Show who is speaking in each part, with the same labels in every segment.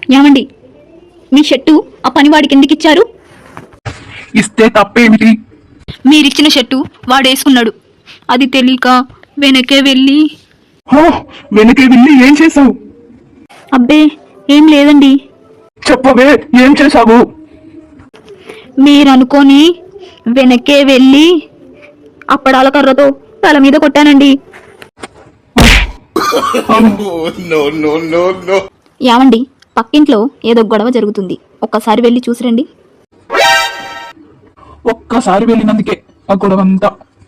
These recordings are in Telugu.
Speaker 1: ఏమండి, మీ షర్టు ఆ పనివాడికి ఎందుకు ఇచ్చారు?
Speaker 2: ఇస్తే తప్పేమిటి?
Speaker 1: మీరిచ్చిన షర్టు వాడేసుకున్నాడు. అది తెలియక వెనకే వెళ్ళి.
Speaker 2: వెనకే వెళ్ళి ఏం చేసావు?
Speaker 1: అబ్బే ఏం లేదండి.
Speaker 2: చెప్పవే, ఏం చేసావు?
Speaker 1: మీరనుకొని వెనకే వెళ్ళి అప్పడాల కర్రతో తల మీద కొట్టానండి. ఏమండి, పక్కింట్లో ఏదో గొడవ జరుగుతుంది, ఒక్కసారి వెళ్ళి చూసిరండి.
Speaker 2: ఒక్కసారి వెళ్ళినందుకే ఆ గొడవంతా.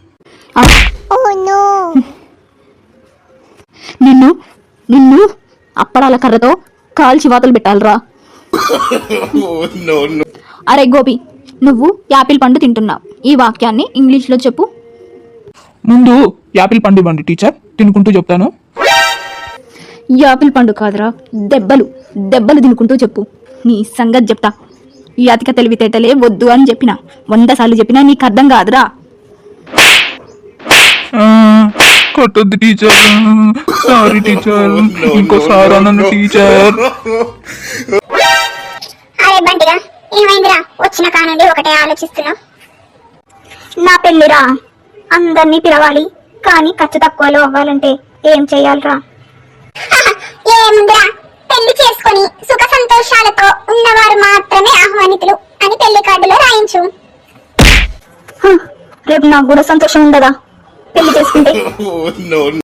Speaker 1: నిన్ను నిన్ను అప్పడాల కర్రతో కాల్చి వాతలు పెట్టాలరా. అరే గోపి, నువ్వు యాపిల్ పండు తింటున్నావు. ఈ వాక్యాన్ని ఇంగ్లీష్లో చెప్పు.
Speaker 2: ముందు యాపిల్ పండు ఇవ్వండి టీచర్, తినుకుంటూ చెప్తాను.
Speaker 1: యాపిల్ పండు కాదురా, దెబ్బలు దెబ్బలు తినుకుంటూ చెప్పు. నీ సంగతి చెప్తా. ఈ అతిక తెలివితేటలే వద్దు అని చెప్పిన 100 సార్లు చెప్పినా నీకు అర్థం కాదురా.
Speaker 2: కొట్టొద్దు టీచర్, సారీ టీచర్, ఇంకోసారి అన్నాను టీచర్.
Speaker 3: అరే బంటిగా, ఏమైందిరా? వచ్చిన కానుండి ఒకటే ఆలోచిస్తున్నా.
Speaker 1: నా పెళ్లిరా, అందరినీ పిలవాలి, కానీ ఖర్చు తక్కువలో అవ్వాలంటే ఏం చెయ్యాలరా?
Speaker 3: ఏముందిరా, పెళ్లి చేసుకుని సుఖ సంతోషాలతో ఉన్నవారు మాత్రమే ఆహ్వానితులు అని పెళ్లి కార్డులో రాయించు.
Speaker 1: రేపు నాకు కూడా సంతోషం ఉండదా పెళ్లి చేసుకుంటే?